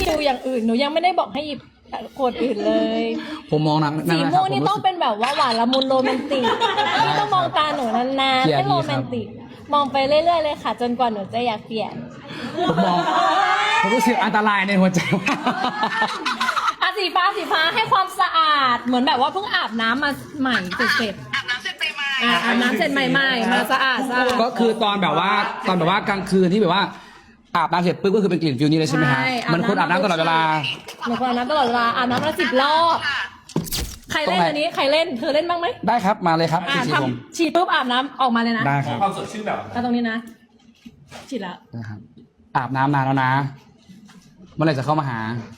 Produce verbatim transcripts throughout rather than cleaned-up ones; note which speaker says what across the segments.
Speaker 1: ดูอย่างอื่นหนูยังไม่ได้บอกให้หยิบขวดอื่นเลย
Speaker 2: ผมมองนะ
Speaker 1: สีม่วงนี่ต้องเป็นแบบว่าหวานละมุนโรแมนติกพี่ต้องมองตาหนูนานๆให้โรแมนติกมองไปเรื่อยๆเลยค่ะจนกว่าหนูจะอยากเปลี่ยน
Speaker 2: ผมมองผมรู้สึกอันตรายในหัวใจ
Speaker 1: อ่ะสีฟ้าสีฟ้าให้ความสะอาดเหมือนแบบว่าเพิ่งอาบน้ำมาใหม่เสร็จ
Speaker 3: อาบน้ำเสร็จใหม่
Speaker 1: ๆอ่ะอาบน้ำเสร็จใหม่ๆมาสะอาดสะอาด
Speaker 2: ก็คือตอนแบบว่าตอนแบบว่ากลางคืนที่แบบว่าอาบน้ำเสร็จปุ๊บก็คือเป็นกลิ่นฟิวนี้เลยใช่ไหมฮะมันคนอาบน้ำตลอดเวลา
Speaker 1: หนูคนอาบน้ำตลอดเวลาอาบน้ำละสิบรอบใครเล่นอันนี้ใครเล่นเธอเล่นบ้างไหม
Speaker 2: ได้ครับมาเลยครับ
Speaker 1: อ่ะ
Speaker 2: ฉีดผม
Speaker 1: ทำฉีดปุ๊บอาบน้ำออกมาเลยนะ
Speaker 2: ได้ครับ
Speaker 4: ความสดชื่นแบบ
Speaker 1: เอาตรงนี้นะฉีดแล้ว
Speaker 2: นะครับอาบน้ำนานแล้วนะเมื่อไหร่จะเข้ามาหา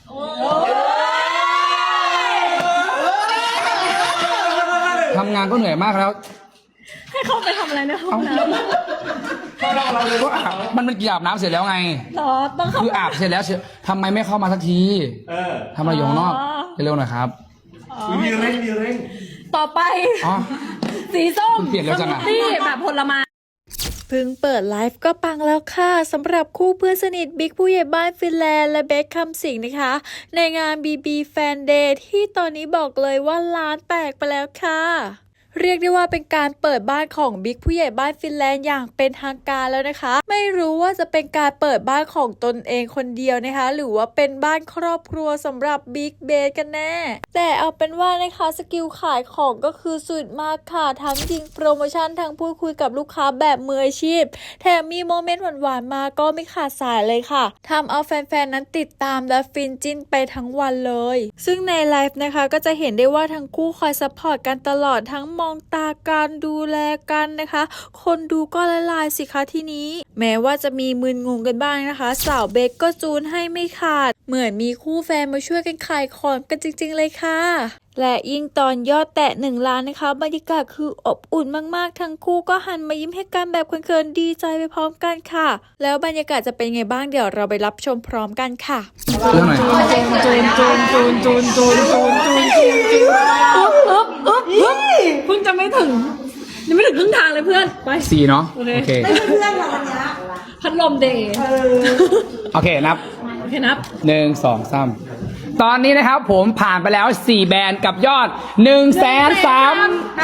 Speaker 2: ทำงานก็เหนื่อยมากแล้ว
Speaker 1: ให้เขาไปทำอะไรในห้องน้ำ
Speaker 2: ก็อาบมันเป็นกี่อาบน้ำเสร็จแล้วไง
Speaker 1: หรอต้องเข้า
Speaker 2: คืออาบเสร็จแล้วเชียวทำไมไม่เข้ามาสักที
Speaker 4: เออ
Speaker 2: ทำอะไรอยู่ข้างนอกเร็วๆหน่อยครับ
Speaker 4: มีเร่งมีเร่ง
Speaker 1: ต่อไป
Speaker 2: อ๋อ
Speaker 1: สีส้ม
Speaker 2: คุณเปลี่ยนแล้วจังอะ
Speaker 1: สมูทตี้แบบผลไม้
Speaker 5: เพิ่งเปิดไลฟ์ก็ปังแล้วค่ะสำหรับคู่เพื่อนสนิทบิ๊กผู้ใหญ่บ้านฟินแลนด์และเบคคำสิงห์นะคะ ในงาน บี บี Fan Day ที่ตอนนี้บอกเลยว่าล้านแตกไปแล้วค่ะ เรียกได้ว่าเป็นการเปิดบ้านของบิ๊กผู้ใหญ่บ้านฟินแลนด์อย่างเป็นทางการแล้วนะคะ ไม่รู้ว่าจะเป็นการเปิดบ้านของตนเองคนเดียวนะคะ หรือว่าเป็นบ้านครอบครัวสำหรับบิ๊กเบสกันแน่ แต่เอาเป็นว่านะคะสกิลขายของก็คือสุดมากค่ะทั้งยิงโปรโมชั่นทั้งพูดคุยกับลูกค้าแบบมืออาชีพแถมมีโมเมนต์หวานๆมาก็ไม่ขาดสายเลยค่ะทำเอาแฟนๆนั้นติดตามและฟินจิ้นไปทั้งวันเลย ซึ่งในไลฟ์นะคะก็จะเห็นได้ว่าทั้งคู่คอยซัพพอร์ตกันตลอดทั้งมองตาการดูแลกันนะคะคนดูก็ละลายสิคะทีนี้แม้ว่าจะมีมึนงงกันบ้างนะคะสาวเบคก็จูนให้ไม่ขาดเหมือนมีคู่แฟนมาช่วยกันขายของกันจริงๆเลยค่ะและยิ่งตอนยอดแตะหนึ่งล้านนะคะบรรยากาศคืออบอุ่นมากๆทั้งคู่ก็หันมายิ้มให้กันแบบเขินๆดีใจไปพร้อมกันค่ะแล้วบรรยากาศจะเป็นไงบ้างเดี๋ยวเราไปรับชมพร้อมกันค่ะ
Speaker 2: เรื่องหน่อย
Speaker 1: จูนจูนจูนจูนจูนจูนจูนจูนจูนอึ๊บอึ๊บอึ๊บอึ๊บเพิ่งจะไม่ถึงยังไม่ถึงครึ่งทางเลยเพื่อนไป
Speaker 2: สี่เนาะโอเค
Speaker 1: พัดลมเดย์
Speaker 2: โอเคนับ
Speaker 1: โอเคนับ
Speaker 2: หนึ่งสองสามตอนนี้นะครับผมผ่านไปแล้วสี่แบรนด์กับยอดหนึ่งแสนสาม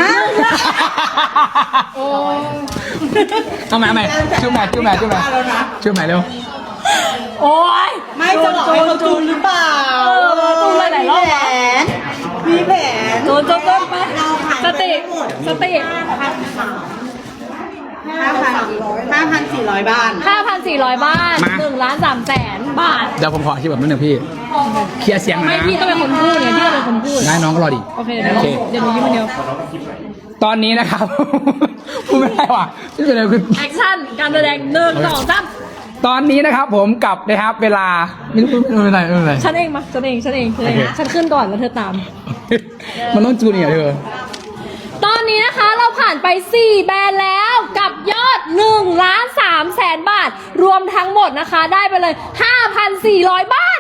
Speaker 2: เอาใหม่เอาใหม่ชื่อใหม่ชื่อใหม่ชื่อใหม่ชื่อใหม่เร็ว
Speaker 1: โอ้ย
Speaker 3: ไม่จะบอกให้เขาจูนหรือเปล่า
Speaker 1: เออจูนหลายๆรอบวะ
Speaker 3: มีแผน
Speaker 1: จูนจูนจูนไปสติสติ
Speaker 3: ห้าพันห้าพันสี่ร้อยบ้าน
Speaker 1: ห้าพันสี่ร้อยบ้านหนึ่งล้านสามแสนบาท
Speaker 2: เดี๋ยวผมขอที่แบบนิดนึงพี่เคลียร์เสียงหน่
Speaker 1: ไม่
Speaker 2: อยนะ
Speaker 1: พี่ต้องเป็นคนพูดไงพี่ต้องเป็นคนพูด
Speaker 2: ได้น้องก็รอดิ
Speaker 1: โอเคเดี๋ยวเดี๋ยวหนูยิ้มคนเดียว
Speaker 2: ตอนนี้นะครับ พูดไม่ได้ว่ะที่เป็นอะไรคือ
Speaker 1: แอคชั่นการแสดงหนึ่งสองสาม
Speaker 2: ตอนนี้นะครับผมกลับนะครับเวลาไม่รู้ไม่เป็นไรไม่เป็นไร
Speaker 1: ฉันเองมาฉันเองฉันเองฉันเอง
Speaker 2: โอเค
Speaker 1: ฉันขึ้นก่อนแล้วเธอตาม
Speaker 2: มันต้องจูนเนี่ยเธอ
Speaker 1: ตอนนี้นะคะเราผ่านไปสี่แบรนด์แล้วกับยอดหนึ่งล้านสามแสนบาท รวมทั้งหมดนะคะได้ไปเลยห้าพันสี่ร้อยบ้าน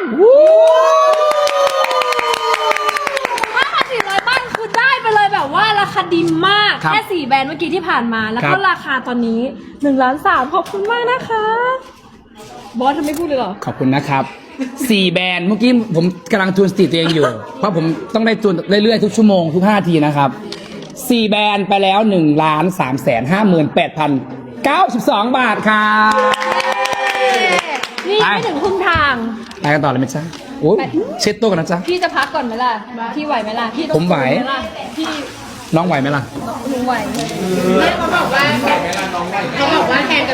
Speaker 1: ห้าพันสี่ร้อยบ้านคือได้ไปเลยแบบว่าราคาดีมาก
Speaker 2: ครับ
Speaker 1: แค่สี่แบรนด์เมื่อกี้ที่ผ่านมาแล้ว
Speaker 2: ค
Speaker 1: ก็
Speaker 2: รับ
Speaker 1: ราคาตอนนี้หนึ่งล้านสามขอบคุณมากนะคะบอสทำไม่พูดเลยเหรอ
Speaker 2: ขอบคุณนะครับสี่แบรนด์เมื่อกี้ผมกำลังจูนสติตัวเองอยู่ เพราะผมต้องได้จูนเรื่อยๆทุกชั่วโมงทุกห้าทีนะครับสี่แบรนด์ไปแล้วหนึ่งล้านสามแสนห้าหมื่นแปดพันเก้าสิบสองบาทครับ
Speaker 1: นี่ยังไม่ถึงครึ่งทาง
Speaker 2: ไปกันต่อเลยไหมจ๊ะโอ้ยเช็ดตัวกันนะจ๊ะ
Speaker 1: พี่จะพักก่อนไหมล่ะพี่ไหวไหมล่ะพี่ต้อง
Speaker 2: ผมไหว
Speaker 1: สู้ล่ะพี่
Speaker 2: น้องไหวไหมล่ะ
Speaker 1: หนูไหว
Speaker 3: เขาบอกว่าเขาบอกว่าแทน